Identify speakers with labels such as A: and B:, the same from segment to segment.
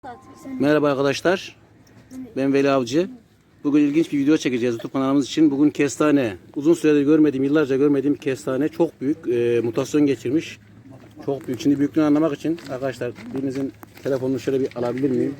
A: Merhaba arkadaşlar. Ben Veli Avcı. Bugün ilginç bir video çekeceğiz YouTube kanalımız için. Bugün kestane. Uzun süredir görmediğim, yıllarca görmediğim kestane çok büyük mutasyon geçirmiş. Çok büyük. Şimdi büyüklüğünü anlamak için arkadaşlar birinizin telefonunu şöyle bir alabilir miyim?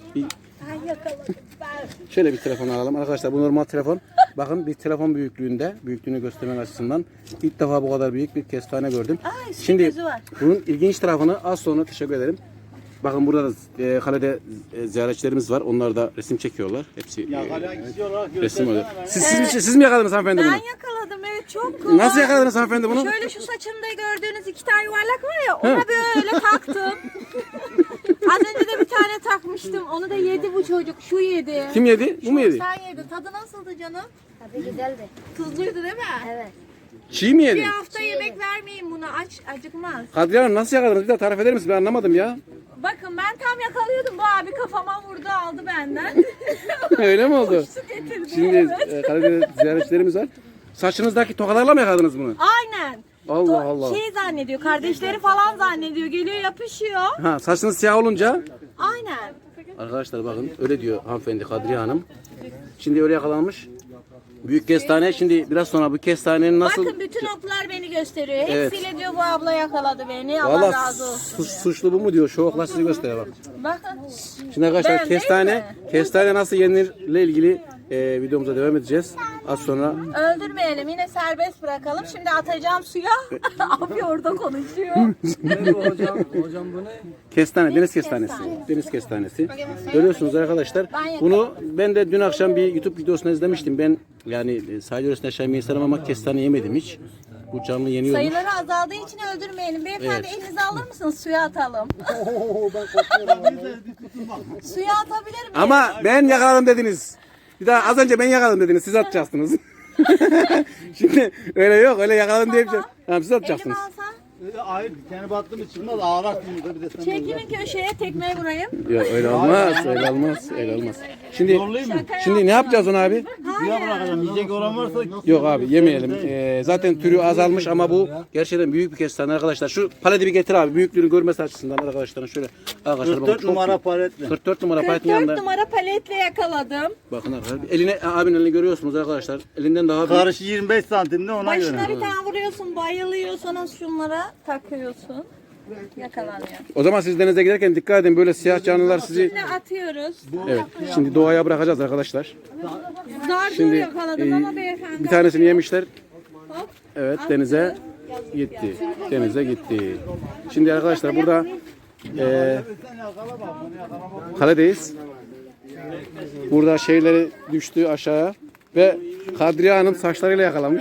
A: Şöyle bir telefon alalım. Arkadaşlar bu normal telefon. Bakın bir telefon büyüklüğünde. Büyüklüğünü göstermek açısından. İlk defa bu kadar büyük bir kestane gördüm. Şimdi bunun ilginç tarafını az sonra teşekkür ederim. Bakın burada da kalede ziyaretçilerimiz var. Onlar da resim çekiyorlar. Hepsi resim oluyor. Siz mi yakaladınız hanımefendi bunu?
B: Ben yakaladım, evet, çok kolay.
A: Nasıl yakaladınız hanımefendi bunu?
B: Şöyle şu saçımda gördüğünüz iki tane yuvarlak var ya, ona böyle taktım. Az önce de bir tane takmıştım. Onu da yedi bu çocuk. Şu yedi.
A: Kim yedi? Bu mu yedi?
B: Sen yedin. Tadı nasıldı canım?
C: Tabii güzeldi.
B: Tuzluydu değil mi?
C: Evet.
A: Çiğ mi yedi?
B: Bir hafta yemek vermeyin buna. Acıkmaz.
A: Kadriye Hanım nasıl yakaladınız? Bir daha tarif eder misiniz? Ben anlamadım ya.
B: Bakın ben tam yakalıyordum. Bu abi kafama vurdu, aldı benden.
A: Öyle mi oldu?
B: Su getirdi.
A: Şimdi kalede ziyaretçilerimiz var. Saçınızdaki tokalarla mı yakaladınız bunu?
B: Aynen.
A: Allah Allah.
B: Şey zannediyor, kardeşleri falan zannediyor. Geliyor, yapışıyor.
A: Ha, saçınız siyah olunca.
B: Aynen.
A: Arkadaşlar bakın öyle diyor hanımefendi Kadriye Hanım. Şimdi öyle yakalanmış. Büyük kestane. Şimdi biraz sonra bu kestanenin nasıl...
B: Bakın bütün oklar beni gösteriyor.
A: Evet.
B: Hepsiyle diyor bu abla yakaladı beni. Allah
A: Valla
B: razı olsun.
A: suçlu bu mu diyor. Şu oklar sizi gösteriyor bak.
B: Bakın.
A: Şimdi arkadaşlar
B: Ben değil
A: kestane nasıl yenirle ilgili videomuza devam edeceğiz. Az sonra.
B: Öldürmeyelim. Yine serbest bırakalım. Şimdi atacağım suya. Abi orada konuşuyor.
D: Hocam bu ne?
A: Kestane, deniz kestanesi. Deniz kestanesi. Görüyorsunuz arkadaşlar. Bunu ben de dün akşam bir YouTube videosunu izlemiştim. Ben yani sahil yöresinde yaşayan bir insanım ama kestane yemedim hiç. Bu canlı yeniyormuş.
B: Sayıları azaldığı için öldürmeyelim. Beyefendi elinizi alır mısınız? Suya atalım. Suya atabilir miyim?
A: Ama ben yakaladım dediniz. Bir daha az önce ben yakaladım dediniz. Siz atacaksınız. Şimdi öyle yok. Öyle yakaladım diye bir şey. Tamam, siz
B: Elimi
A: atacaksınız.
B: alsam.
D: Hayır, kendi battı mı çıkmaz, ağlar şimdi bir de sen.
B: Çekilin köşeye, tekmeyi vurayım.
A: Yok öyle olmaz. Öyle olmaz. Öyle olmaz. Şimdi ne yapacağız onu abi?
D: Suya bırakacağım, yiyecek olan varsa.
A: Yok abi yemeyelim. Zaten türü azalmış ama bu gerçekten büyük bir kestane arkadaşlar. Şu paleti bir getir abi. Büyüklüğünü görmesi açısından arkadaşlar. Şöyle arkadaşlar bakın
D: 44
A: çok
D: numara
A: büyük.
D: paletle.
A: 44 numara paletin
B: 44
A: yanında.
B: numara paletle yakaladım.
A: Bakın arkadaşlar. Eline abinin elini görüyorsunuz arkadaşlar. Elinden daha büyük.
D: Karşı 25 santimde ona
B: Başına
D: göre.
B: bir tane vuruyorsun, bayılıyor, sonra şunlara takıyorsun. Yakalanıyor.
A: O zaman siz denize giderken dikkat edin. Böyle siyah canlılar sizi.
B: Şimdi atıyoruz.
A: Evet. Şimdi doğaya bırakacağız arkadaşlar.
B: Zar zor
A: Şimdi
B: yakaladım ama beyefendi.
A: bir tanesini yemişler.
B: Hop.
A: Evet denize gitti. Denize gitti. Şimdi arkadaşlar burada kaledeyiz. Burada şeyleri düştü aşağıya ve Kadriye Hanım saçlarıyla yakalamış.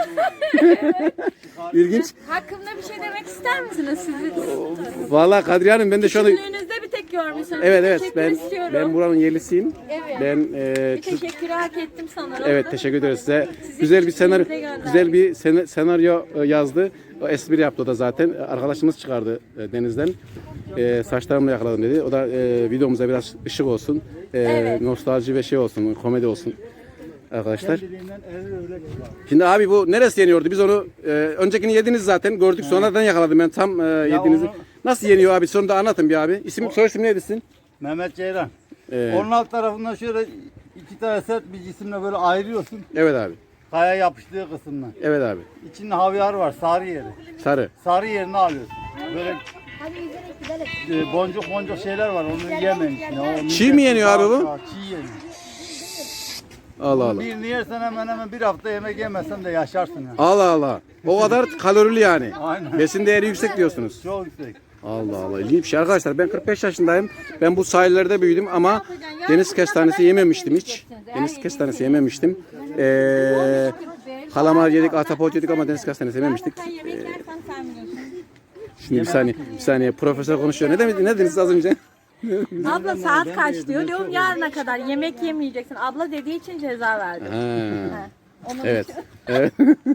A: İlginç.
B: Hakkımda bir şey demek ister misiniz siz?
A: Vallahi Kadriye Hanım ben de şu anda
B: Küçüklüğünüzde bir tek görmüşsünüz.
A: evet
B: Teşekkür istiyorum.
A: ben buranın yerlisiyim.
B: Evet.
A: Ben
B: Bir teşekkürü hak ettim sanırım.
A: evet teşekkür ederiz size.
B: Sizi
A: Güzel bir senaryo
B: küçüklüğünüze gönderdik.
A: güzel bir senaryo yazdı. O espri yaptı o da zaten. Arkadaşımız çıkardı denizden. Saçlarımla yakaladım dedi. O da videomuza biraz ışık olsun.
B: Evet.
A: Nostalji ve şey olsun, komedi olsun. Arkadaşlar. Şimdi abi bu neresi yeniyordu? Biz onu öncekini yediniz zaten. Gördük sonradan yakaladım ben tam yediğinizi.
D: onu-
A: Nasıl yeniyor abi? Sonra da anlatın bir abi. Soy isim neydi sizin?
D: Mehmet Ceylan.
A: Ee,
D: Onun alt tarafından şöyle iki tane sert bir cisimle böyle ayırıyorsun.
A: Evet abi.
D: Kaya yapıştığı kısımdan.
A: Evet abi.
D: İçinde havyar var, sarı yeri.
A: Sarı.
D: Sarı yerini alıyorsun. Böyle
C: Hadi gidelim gidelim.
D: boncuk şeyler var, onu yemeyin içine.
A: Çiğ mi yeniyor abi bu?
D: Çiğ yeniyor.
A: Allah Allah.
D: Birini yersen hemen hemen bir hafta yemek yemezsen de yaşarsın yani.
A: Allah Allah. O kadar kalorili yani.
D: Aynen.
A: Besin değeri yüksek diyorsunuz.
D: Çok yüksek.
A: Allah Allah. İlginç bir şey arkadaşlar. Ben 45 yaşındayım. Ben bu sahillerde büyüdüm ama deniz kestanesi yememiştim hiç. Deniz kestanesi yememiştim. Kalamar yedik, ahtapot yedik ama deniz kestanesi yememiştik.
B: Sen yemek yersen sen biliyorsun.
A: Şimdi bir saniye. Profesör konuşuyor. Ne dediniz az önce?
B: Abla saat kaç diyor. Diyorum yarına kadar yemek yemeyeceksin. Abla dediği için ceza verdim.
A: Ha.
B: Onun
A: Evet.
B: için.
A: Evet.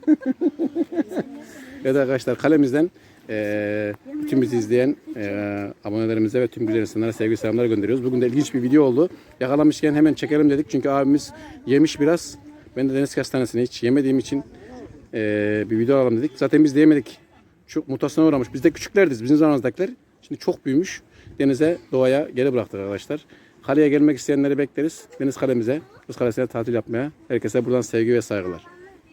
A: Evet arkadaşlar kalemizden bütün bizi izleyen abonelerimize ve tüm güzel insanlara sevgi selamlar gönderiyoruz. Bugün de ilginç bir video oldu. Yakalamışken hemen çekelim dedik çünkü abimiz yemiş biraz. Ben de deniz kestanesini hiç yemediğim için bir video alalım dedik. Zaten biz de yemedik. Çok mutasyona uğramış. Biz de küçüklerdiz bizim zamanımızdakiler. Şimdi çok büyümüş. denize, doğaya geri bıraktık arkadaşlar. Kaleye gelmek isteyenleri bekleriz. Deniz kalemize, Kız Kalesi'ne tatil yapmaya. Herkese buradan sevgi ve saygılar.